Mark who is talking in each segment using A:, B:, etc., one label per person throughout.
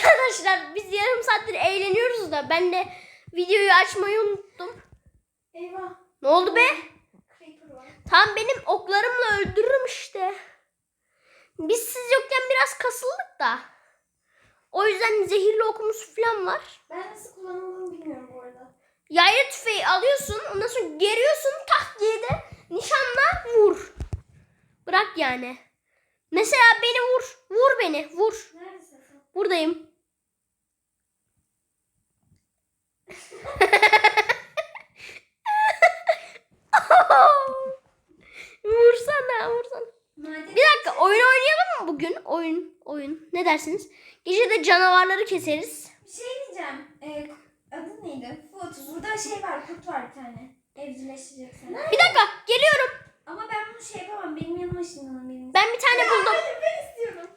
A: Arkadaşlar biz yarım saattir eğleniyoruz da ben de videoyu açmayı unuttum.
B: Eyvah.
A: Ne oldu be?
B: Creeper var.
A: Tam benim oklarımla öldürürüm işte. Biz siz yokken biraz kasıldık da. O yüzden zehirli okumuz falan var.
B: Ben nasıl kullanıldığını bilmiyorum bu arada.
A: Yaylı tüfeği alıyorsun, ondan sonra geriyorsun, tak diye de nişanla vur. Bırak yani. Mesela beni vur. Vur beni. Vur.
B: Neredesin sen?
A: Buradayım. Vursana.
B: Maden.
A: Bir dakika, oyun oynayalım mı bugün? Oyun. Ne dersiniz? Gece de canavarları keseriz.
B: Bir şey diyeceğim. Adı neydi? Foot. Burada şey var. Kurt var bir tane. Evcilleştireceksin.
A: Bir dakika, geliyorum.
B: Ama ben bunu şey yapamam. Benim yanıma ışınlanın benim.
A: Ben bir tane buldum.
B: Hayır, ben istiyorum.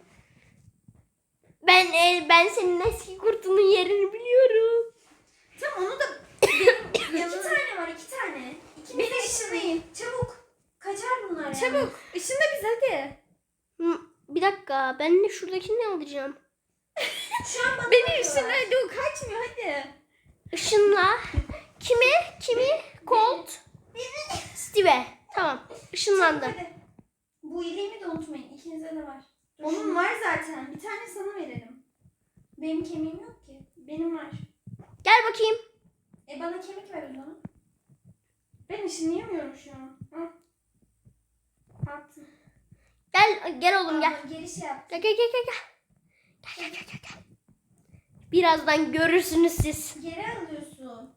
A: Ben senin eski kurtunun yerini biliyorum.
B: Tamam onu da benim yanımda. 2 tane var. 2 tane. İkiniz de ışınlayın. Çabuk. Kaçar bunlar yani.
C: Çabuk. Işınla biz hadi.
A: Bir dakika, ben de şuradakini alacağım.
B: Şu an bana
C: Beni
B: bakıyorlar.
C: ışınla hadi, o kaçmıyor hadi.
A: Işınla. Kimi? Colt. Steve. Tamam. Işınlandı.
B: Hadi. Bu iyiliğimi de unutmayın. İkinizde de var. Onun var zaten. Bir tane sana verelim. Benim kemiğim yok ki. Benim var.
A: Gel bakayım.
B: Bana kemik ver o zaman. Ben ışınlayamıyorum şu an. Hı. Attım.
A: Gel oğlum gel.
B: Geri şey yap.
A: Gel. Gel. Birazdan görürsünüz siz.
B: Geri alıyorsun.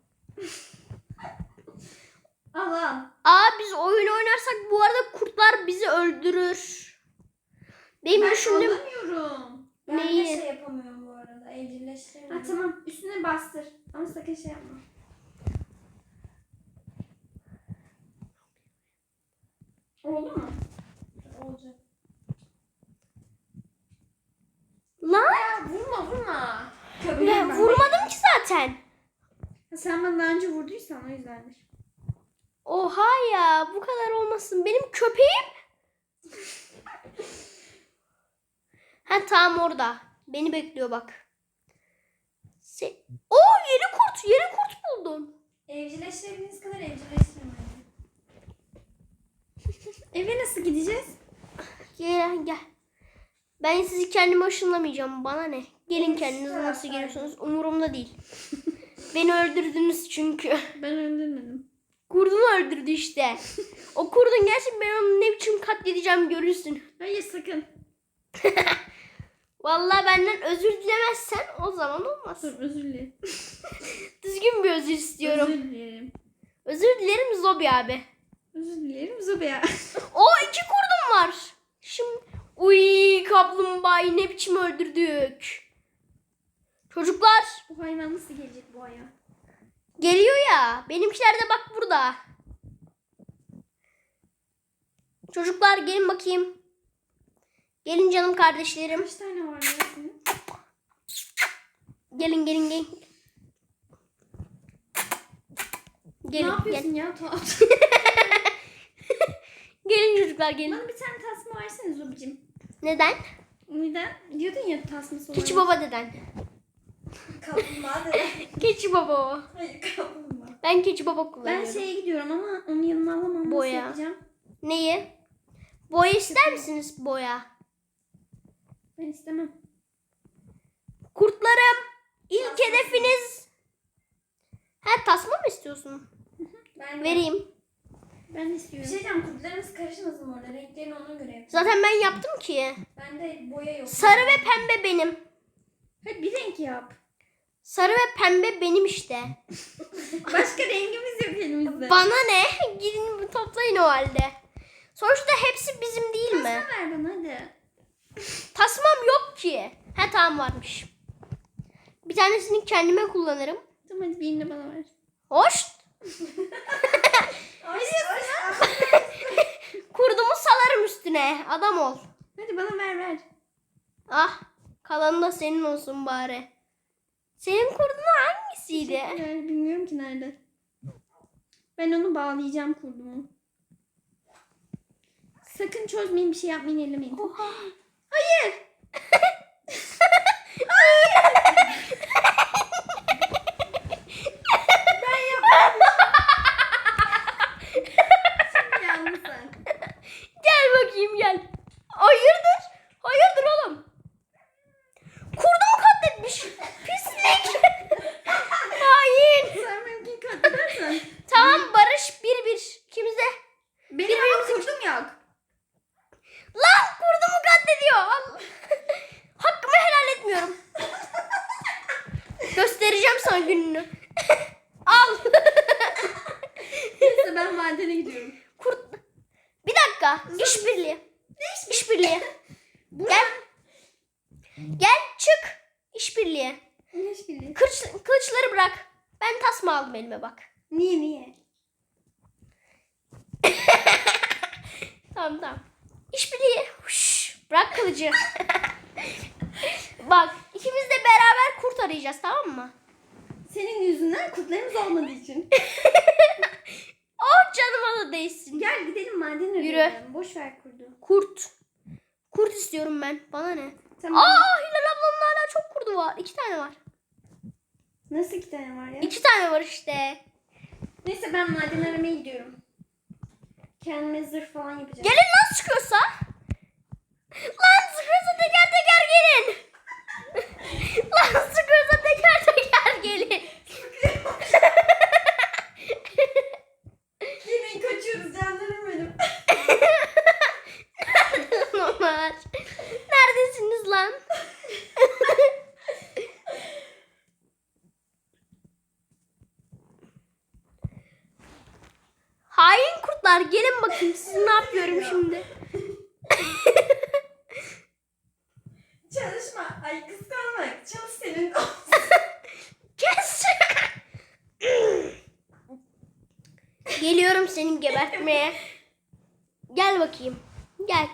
B: al.
A: Biz oyun oynarsak bu arada kurtlar bizi öldürür. Benim
B: Ben
A: düşündüğüm...
B: alamıyorum. Ben
A: Neyi?
B: de şey yapamıyorum bu arada. Evcilleştiremiyorum.
C: Ha tamam, üstüne bastır. Ama sakın şey yapma.
B: Oldu mu? Olacak.
A: Lan
C: Ya vurma.
A: ben vurmadım ki zaten.
C: Ha, sen bana daha önce vurduysan o yüzdendir.
A: Oha ya, bu kadar olmasın. Benim köpeğim. Tam orada. Beni bekliyor bak. Yeni kurt buldum.
B: Evcilleştirebildiğiniz kadar evcilleştirin.
C: Eve nasıl gideceğiz?
A: Gel. Ben sizi kendime ışınlamayacağım. Bana ne? Gelin
B: Evet,
A: kendiniz
B: tamam,
A: nasıl
B: tamam.
A: geliyorsunuz. Umurumda değil. Beni öldürdünüz çünkü.
C: Ben öldürmedim.
A: Kurdunu öldürdü işte. O kurdun gerçi ben onu ne biçim katledeceğim görürsün.
C: Hayır sakın.
A: Vallahi benden özür dilemezsen o zaman olmaz.
C: Dur, özür dilerim.
A: Düzgün bir özür istiyorum.
C: Özür dilerim.
A: Özür dilerim Zobi abi.
C: Özür dilerim Zobea.
A: O 2 kurdum var. Şimdi kaplumbağayı ne biçim öldürdük. Çocuklar
C: Bu hayvan nasıl gelecek bu aya?
A: geliyor ya. Benimkiler de bak burada. Çocuklar gelin bakayım. Gelin canım kardeşlerim.
C: Kaç tane var ya senin?
A: Gelin.
C: Ne yapıyorsun ya?
A: Gelin çocuklar gelin.
C: Bana bir tane tasma versene Zobicim.
A: Neden?
C: Neden? Diyordun ya tasması olan.
A: Keçi baba deden.
B: Kaplumbağa da.
A: Keçi baba o.
B: Hayır kaplumbağa.
A: Ben keçi baba
C: Ben
A: kullanıyorum.
C: şeye gidiyorum ama onu yanıma alamam.
A: Boya.
C: Nasıl yapacağım?
A: Neyi? Boya ister misiniz boya?
C: Ben istemem.
A: Kurtlarım. İlk
B: Tasma.
A: hedefiniz. Tasma mı istiyorsun?
B: Ben
A: Vereyim.
C: Ben de
B: Bir
C: istiyorum.
B: şey diyeceğim. Kurtlarımız karışmasın orada. Renklerini ona göre yapacağım.
A: Zaten ben yaptım ki.
B: Bende boya yok.
A: Sarı ve pembe benim.
C: Hadi bir renk yap.
A: Sarı ve pembe benim işte.
C: Başka rengimiz yok elimizde.
A: Bana ne? Gidin toplayın o halde. Sonuçta hepsi bizim değil mi?
C: Tasma ver bana hadi.
A: Tasmam yok ki. Tamam varmış. Bir tanesini kendime kullanırım.
C: Tamam hadi birini bana ver.
A: Hoş.
B: Ay,
A: Kurdumu salarım üstüne. Adam ol.
C: Hadi bana ver.
A: Kalanı da senin olsun bari. Senin kurdun hangisiydi?
C: Bilmiyorum ki nerede. Ben onu bağlayacağım kurdumu. Sakın çözmeyin, bir şey yapmayın, ellemeyin.
A: Oha.
C: Hayır.
A: Hayır. İşbirliği.
C: Ne işbirliği?
A: Kılıçları bırak. Ben tasma aldım elime bak.
C: Niye?
A: Tamam. İşbirliği. Huş, bırak kılıcı. Bak ikimiz de beraber kurt arayacağız, tamam mı?
C: Senin yüzünden kurtlarımız olmadığı için.
A: Oh, canıma da değsin.
C: Gel gidelim maden
A: Yürü.
C: arayalım. Boş ver kurdu.
A: Kurt. Kurt istiyorum ben. Bana ne?
C: Tamam.
A: Hilal ablanın hala çok kurdu var. 2 tane var.
C: Nasıl 2 tane var ya?
A: 2 tane var işte.
C: Neyse ben maden aramaya gidiyorum. Kendime zırh falan yapacağım.
A: Gelin lan sıkıyorsa. Lan sıkıyorsa teker teker gelin. Lan sıkıyorsa teker teker gelin.
C: Gelin kaçıyoruz canlarım benim.
A: Onlar. Neredesiniz lan? Hain kurtlar, gelin bakayım siz ne yapıyorum şimdi.
C: Çalışma. Ay kıskanma. Çalış senin.
A: Kes. Geliyorum seni gebertmeye. Gel bakayım. Gel.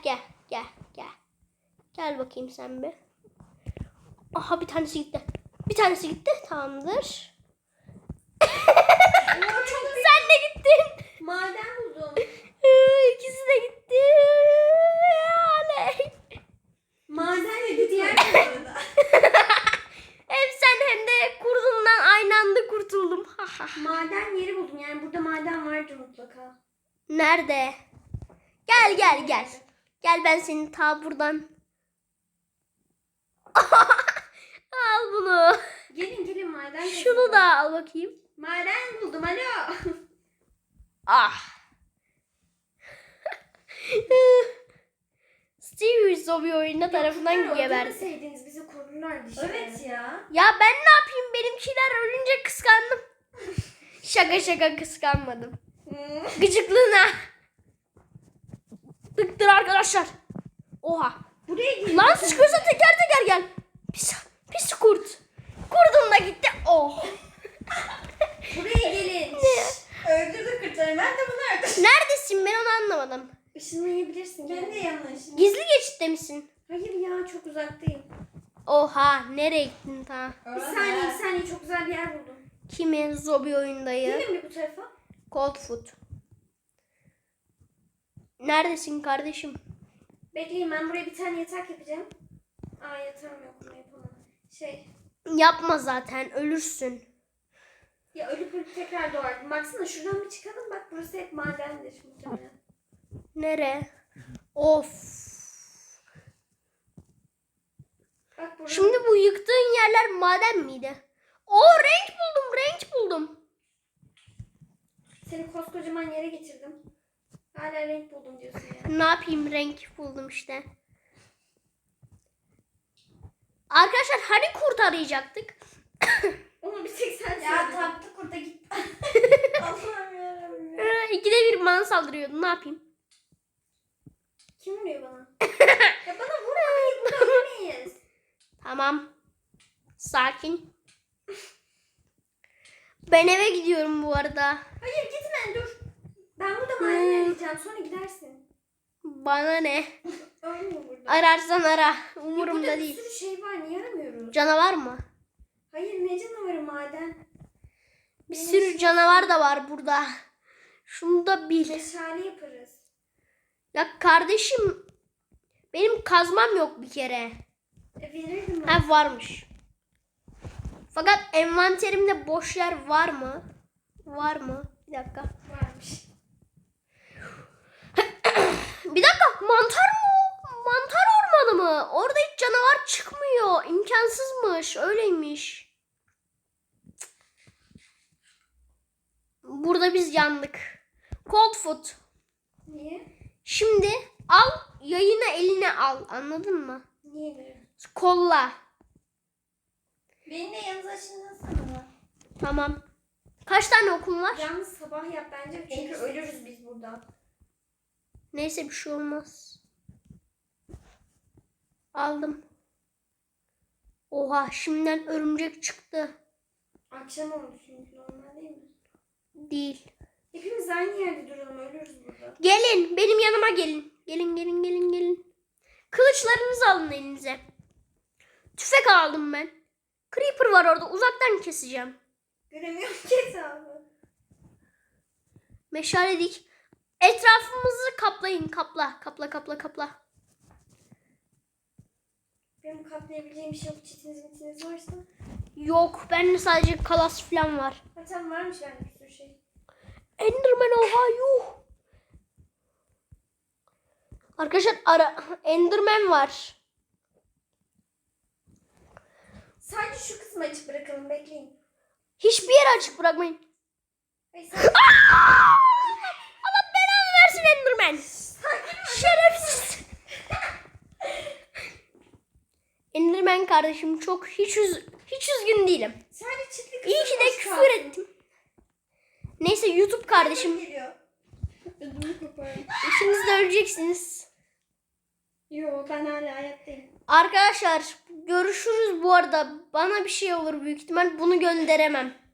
A: Gel bakayım sen bir. Aha bir tanesi gitti. Tamamdır. Sen de gittin.
C: Maden buldum.
A: İkisi de gitti. Oley.
C: Maden yedi diğer arada.
A: Hem sen hem de kurdundan aynı anda kurtuldum.
C: Maden yeri buldum. Yani burada maden vardır mutlaka.
A: Nerede? Gel. Gel ben seni ta buradan. Al bunu.
C: Gelin maden.
A: Şunu da al bakayım.
C: Maden buldum. Alo.
A: Ah. Stevie Zombie oyunu tarafından geberdi.
C: Öldürmeseydiniz bizi korurlardı işte. Evet ya.
A: Ya ben ne yapayım? Benimkiler ölünce kıskandım. Şaka kıskanmadım. Gıcıklığına. Tıktır arkadaşlar. Oha.
C: Buraya gelin.
A: Lan sıkıyorsa teker teker gel. Pis kurt. Kurdum da gitti. Oh.
C: Buraya gelin. Öldürdü kurtları. Ben de bunu öldürdüm.
A: Neredesin? Ben onu anlamadım.
C: Işınlayabilirsin. Ben de yanlış.
A: Gizli geçitte misin?
C: Hayır ya çok uzaktayım.
A: Oha. Nereye gittin ta?
C: Bir saniye çok güzel bir yer buldum.
A: Kimi? Zombie oyundayı.
C: Gelin bir bu tarafa.
A: Cold Foot. Neredesin kardeşim?
C: Bekleyin ben buraya bir tane yatak yapacağım. Yatağım yok bunu yapamam.
A: Yapma zaten. Ölürsün.
C: Ya ölüp tekrar doğardım. Baksana şuradan bir çıkalım bak burası hep madendir muhtemelen.
A: Nere? Of.
C: Bak burada.
A: Şimdi bu yıktığın yerler maden miydi? Renk buldum.
C: Seni koskocaman yere getirdim. Hala renk buldum diyorsun ya.
A: Ne yapayım, renk buldum işte. Arkadaşlar hani kurt arayacaktık?
C: Onu bir tek sen söyledin.
B: Ya taktı kurda gitti.
C: Allah'ım yarabbim.
A: 2'de 1 bana saldırıyordu. Ne yapayım?
C: Kim vuruyor bana? Ya bana vurma. Hayır burada ölmeyiz.
A: Tamam. Sakin. Ben eve gidiyorum bu arada.
C: Hayır gitme dur. Ben burada maden arayacağım sonra gidersin.
A: Bana ne?
C: Ölme burada.
A: Ararsan ara.
C: Ya
A: Umurumda
C: burada
A: değil.
C: bir sürü şey var niye aramıyoruz?
A: Canavar mı?
C: Hayır ne canavarı maden.
A: Bir sürü canavar da var burada. Şunu da bil.
C: Meşale yaparız.
A: Ya kardeşim, benim kazmam yok bir kere.
C: Verirdim ben.
A: Ha, varmış. Fakat envanterimde boş yer var mı? Var mı? Bir dakika.
C: Varmış.
A: Bir dakika, mantar mı? Mantar ormanı mı? Orada hiç canavar çıkmıyor. İmkansızmış. Öyleymiş. Burada biz yandık. Cold foot.
C: Niye?
A: Şimdi al, yayını eline al. Anladın mı?
C: Niye böyle?
A: Kolla.
B: Beni de yanınıza açınlasana.
A: Tamam. Kaç tane okum var?
C: Yalnız sabah yap bence çünkü ölürüz biz burada.
A: Neyse, bir şey olmaz. Aldım. Oha şimdiden örümcek çıktı.
C: Akşam oldu çünkü normal değil mi?
A: Değil.
C: Hepimiz aynı yerde duralım, ölürüz burada.
A: Gelin benim yanıma gelin. Gelin. Kılıçlarınızı alın elinize. Tüfek aldım ben. Creeper var orada, uzaktan keseceğim.
C: Göremiyorum ki hesabı.
A: Meşale dik. Etrafımızı kaplayın. Kapla.
C: Benim kaplayabileceğim bir şey yok. Çitiniz varsa.
A: Yok, bende sadece kalas falan var.
C: Ha tamam, varmış bende bir sürü şey.
A: Enderman oha yuh. Arkadaşlar Enderman var.
C: Sadece şu kısmı açık bırakalım, bekleyin.
A: Hiçbir yeri açık bırakmayın.
C: Hayır,
A: Allah belanı versin Enderman. Şerefsiz. Enderman kardeşim çok hiç üzgün değilim.
C: sadece çitli kısmı
A: İyi ki de
C: boş
A: küfür
C: kalsın.
A: ettim. Neyse YouTube kardeşim.
C: Geliyor. Ödümü koparım.
A: İkiniz de öleceksiniz.
C: Yo, ben hala hayattayım.
A: Arkadaşlar görüşürüz bu arada. Bana bir şey olur büyük ihtimal. Bunu gönderemem.